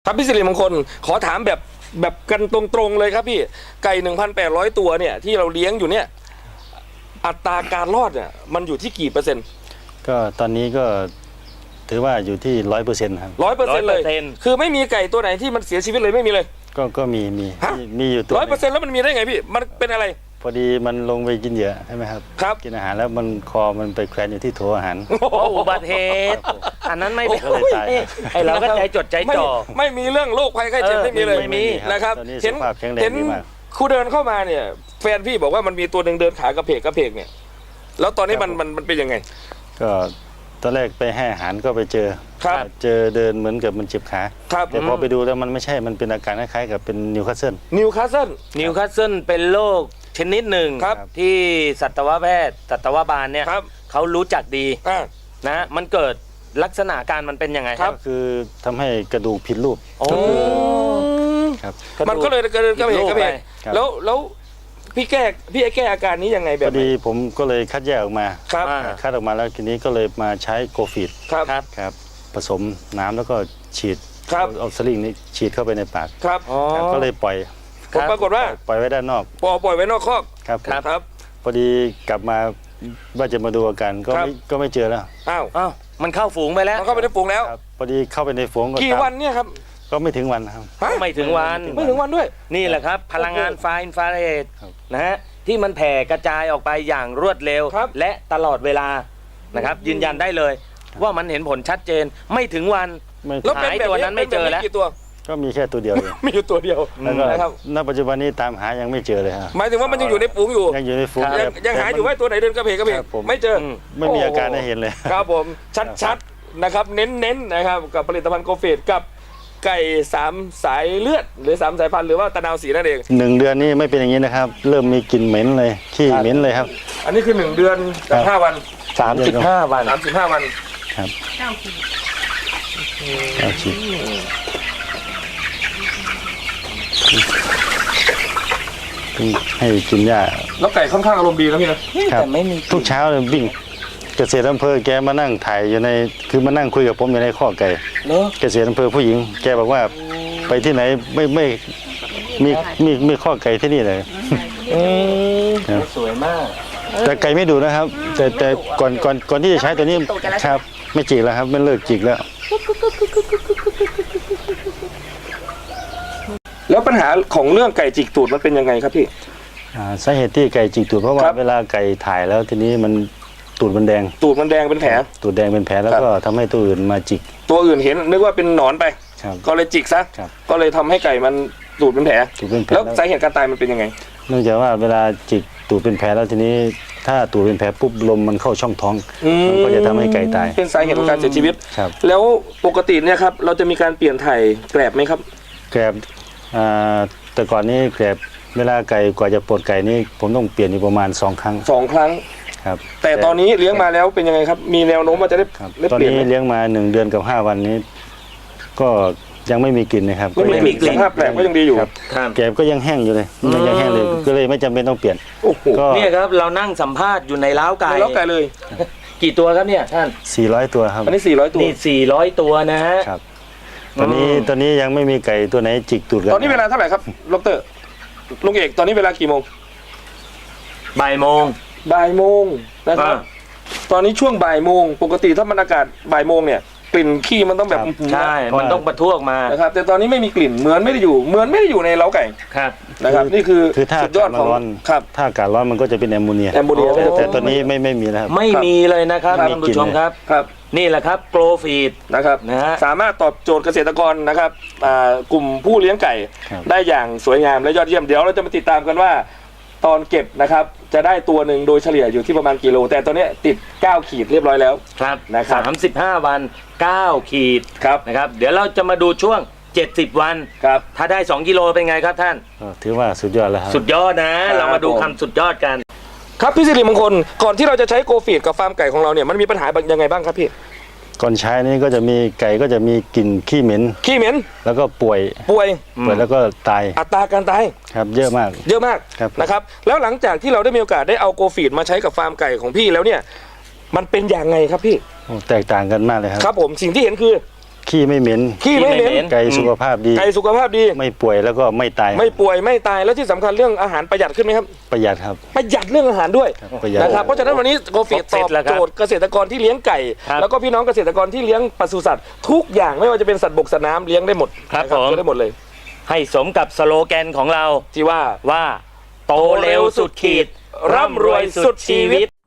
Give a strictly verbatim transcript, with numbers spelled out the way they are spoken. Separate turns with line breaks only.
ครับพี่สิริมงคลขอถามแบบแบบกันตรงๆเลยครับพี่ไก่ หนึ่งพันแปดร้อย ตัวเนี่ยที่เราเลี้ยงอยู่เนี่ยอัตราการรอดเนี่ยมันอยู่ที่กี่เปอร์เซ็นต์
ก็ตอนนี้ก็ถือว่าอยู่ที่ร้อยเปอร์เซ็นต์ครับ
ร้อยเปอร์เซ็นต์เลยคือไม่มีไก่ตัวไหนที่มันเสียชีวิตเลยไม่มีเลย
ก็ก็มีมีมีอยู่ตัว
ร้อยเปอร์เซ็นต์แล้วมันมีได้ไงพี่มันเป็นอะไร
พอดีมันลงไปกินเหยื่อใช่ไหมครับ
ครับ
กินอาหารแล้วมันคอมันไปแขวนอยู่ที่โถอาหาร
โอ้อุบัติเหตุอันนั้นไม่เป็นไรไอเราก็ใจจดใจจ่อ
ไม่มีเรื่องโรคภัยไข้เจ็บไม่มีเลย
ไม่มี
นะครับ
เห็นเห็น
ครูเดินเข้ามาเนี่ยแฟนพี่บอกว่ามันมีตัวหนึ่งเดินขากระเพกกระเพกเนี่ยแล้วตอนนี้มันมันมันเป็นยังไง
ก็ตอนแรกไปให้อาหารก็ไปเจอเจอเดินเหมือนกับมันเจ็บขาแต่พอไปดูแล้วมันไม่ใช่มันเป็นอาการคล้ายๆกับเป็นนิวคาสเซิล
นิวคาสเซิล
นิวคาสเซิลเป็นโรคชนิดหนึ่งที่สัตวแพทย์สัตวบาลเนี่ยเขารู้จักดีนะมันเกิดลักษณะการมันเป็นยังไง
ครับคือทำให้กระดูกผิดรูป
ครับมันก็เลยเกิดกระเพกกระเพกแล้วแล้วพี่แก้พี่แก้อาการนี้ยังไงแบบ
พอดีผมก็เลยคัดแยกออกมา
ครับ
คัดออกมาแล้วทีนี้ก็เลยมาใช้โกฟีด
ครับ
ครับผสมน้ำแล้วก็ฉีดเอาสลิงนี้ฉีดเข้าไปในปาก
ครับ
ก็เลยปล่อย
ผมปรากฏว่า
ปล่อยไว้ด้านนอก
ปล่อยปล่อยไว้นอกคอก
ครับ
ครับ
พอดีกลับมาว่าจะมาดูอาการก็ไม่ก็ไม่เจอแล้ว
อ้าว
อ้าวมันเข้าฝูงไปแล้ว
มันเข้าไปในฝูงแล้ว
พอดีเข้าไปในฝูง
กี่วันเนี่ยครับ
ก็ไม่ถึงวันครับ
ไม่ถึงวัน
ไม่ถึงวันด้วย
นี่แหละครับพลังงานไฟอินฟราเรดนะฮะที่มันแผ่กระจายออกไปอย่างรวดเร็วและตลอดเวลานะครับยืนยันได้เลยว่ามันเห็นผลชัดเจนไม่ถึงวันหายตัวนั้นไม่เจอแล้ว
ก็มีแค่ตัวเดียว
มีอยู่ตัวเดียว
นะครับณปัจจุบันนี้ตามหายังไม่เจอเลยครับ
หมายถึงว่ามันยังอยู่ในฝูงอยู่
ยังอยู่ในฝูง
ยังหาอยู่ว่าตัวไหนเดินกระเพกกระเพกไม่เจอ
ไม่มีอาการให้เห็นเลย
ครับผมชัดๆนะครับเน้นๆนะครับกับผลิตภัณฑ์โกฟีดกับไก่สามสายเลือดหรือสามสายพันธุ์หรือว่าตะนาวสีนั่นเอง
หนึ่งเดือนนี้ไม่เป็นอย่างนี้นะครับเริ่มมีกลิ่นเหม็นเลยขี้เหม็นเลยครับ
อันนี้คือหนึ่งเดือนกับห้าวัน
สามสิบห้าวัน
สามสิบห้าวัน
ครับเก้าขีดเก้าขีดให้กินหญ้า
แล้วไก่ค่อนข้างอารมณ์ดีนะพี่นะ
แต่ไม่มีทุกเช้าเลยวิ่งเกษตรอำเภอแกมานั่งถ่ายอยู่ในคือมานั่งคุยกับผมอยู่ในข้อไก่เกษตรอำเภอผู้หญิงแกบอกว่าไปที่ไหนไม่ไม่มีมีมีข้อไก่ที่นี่เลย
สวยมาก
แต่ไก่ไม่ดูนะครับแต่แต่ก่อนก่อนก่อนที่จะใช้ตัวนี้ครับไม่จิกแล้วครับไม่เลิกจิกแล้ว
แล้วปัญหาของเรื่องไก่จิกตูดมันเป็นยังไงครับพี่
สาเหตุที่ไก่จิกตูดเพราะว่าเวลาไก่ถ่ายแล้วทีนี้มันตูดมันแดง
ตูดมันแดงเป็นแผล
ตูดแดงเป็นแผลแล้วก็ทำให้ตัวอื่นมาจิก
ตัวอื่นเห็นนึกว่าเป็นหนอนไปก็เลยจิกซะก็เลยทำให้ไก่มันตูดเป็นแผลแล้วสาเหตุการตายมันเป็นยังไง
เนื่องจากว่าเวลาจิกตูดเป็นแผลแล้วทีนี้ถ้าตูดเป็นแผลปุ๊บลมมันเข้าช่องท้องมันก็จะทำให้ไก่ตาย
เป็นสาเหตุของการเสียชีวิตแล้วปกติเนี่ยครับเราจะมีการเปลี่ยนถ่ายแกลบไหมครับ
แกลบแต่ก่อนนี้แกลบเวลาไก่กว่าจะปลดไก่นี่ผมต้องเปลี่ยนอยู่ประมาณสองครั้ง
สองครั้ง
ครับ
แต่ตอนนี้เลี้ยงมาแล้วเป็นยังไงครับมีแนวโน้มว่าจะได้
ตอนนี้เลี้ยงมาหนึ่งเดือนกับห้าวันนี้ก็ยังไม่มีกลิ่นนะครับ
ไม่มีกลิ่นภาพแปลกก็ยังดีอยู่
แกบก็ยังแห้งอยู่เลยยังแห้งเลยก็เลยไม่จำเป็นต้องเปลี่ยน
เนี่ยครับเรานั่งสัมภาษณ์อยู่ในเล้าไก่
เล้าไก่เลย
กี่ตัวครับเนี่ยท่าน
สี่ร้อยตัวครับ
อันนี้สี่ร้อยตัว
นี่สี่ร้อยตัวนะฮะ
ครับตอนนี้ตอนนี้ยังไม่มีไก่ตัวไหนจิกตูดกัน
ตอนนี้เวลาเท่าไหร่ครับดร.ลุงเอกตอนนี้เวลากี่โมง
บ่ายโมง
บ่ายโมงนะครับตอนนี้ช่วงบ่ายโมงปกติถ้ามันอากาศบ่ายโมงเนี่ยกลิ่นขี้มันต้องแบบ
ใช่มันต้องประทุออกมา
นะครับแต่ตอนนี้ไม่มีกลิ่นเหมือนไม่ได้อยู่เหมือนไม่ได้อยู่ในเล้าไก่
ครับ
นะครับนี่คือ
สุดยอดของครับถ้าอากาศร้อนมันก็จะเป็นแอมโมเนีย
แอมโมเนีย
แต่ตอนนี้ไม่ไม่มีนะครับ
ไม่มีเลยนะครับท่านผู้ชมครับ
ครับ
นี่แหละครับโกลฟีด
นะครับนะฮะสามารถตอบโจทย์เกษตรกรนะครับกลุ่มผู้เลี้ยงไก่ได้อย่างสวยงามและยอดเยี่ยมเดี๋ยวเราจะมาติดตามกันว่าตอนเก็บนะครับจะได้ตัวหนึ่งโดยเฉลี่ยอยู่ที่ประมาณกิโลแต่ตอนนี้ติดเก้าขีดเรียบร้อยแล้ว
ครับ
นะครับ
สามสิบห้าวันเก้าขีด
ครับ
นะครับเดี๋ยวเราจะมาดูช่วงเจ็ดสิบวัน
ครับ
ถ้าได้สองกิโลเป็นไงครับท่าน
ถือว่าสุดยอดแล้วครับ
สุดยอดนะเรามาดูคำสุดยอดกัน
ครับพี่สิริมงคลก่อนที่เราจะใช้โกฟีดกับฟาร์มไก่ของเราเนี่ยมันมีปัญหายังไงบ้างครับพี่
ก่อนใช้นี้ก็จะมีไก่ก็จะมีกลิ่นขี้เหม็น
ขี้เหม็น
แล้วก็ป่วย
ป่วย
ป่วยแล้วก็ตาย
อัตราการตาย
ครับเยอะมาก
เยอะมากนะครับแล้วหลังจากที่เราได้มีโอกาสได้เอาโกฟีดมาใช้กับฟาร์มไก่ของพี่แล้วเนี่ยมันเป็นอย่างไงครับพี่
แตกต่างกันมากเลยครับ
ครับผมสิ่งที่เห็นคือ
ขี้ไม่เหม็น
ขี้ไม่เหม็น
ไก่สุขภาพดี
ไก่สุขภาพดี
ไม่ป่วยแล้วก็ไม่ตาย
ไม่ป่วยไม่ตายแล้วที่สำคัญเรื่องอาหารประหยัดขึ้นไหมครับ
ประหยัดครับ
ประหยัดเรื่องอาหารด้วย
ประหยัด
นะครับเพราะฉะนั้นวันนี้โกฟีตอบโจทย์เกษตรกรที่เลี้ยงไก่ แล้วก็พี่น้องเกษตรกรที่เลี้ยงปศุสัตว์ทุกอย่างไม่ว่าจะเป็นสัตว์บกสัตว์น้ำเลี้ยงได้หมด
ครับ
นะ
ผม
เลี้ยงได้หมดเลย
ให้สมกับสโลแกนของเรา
ที่ว่า
ว่าโตเร็วสุดขีดร่ำรวยสุดชีวิต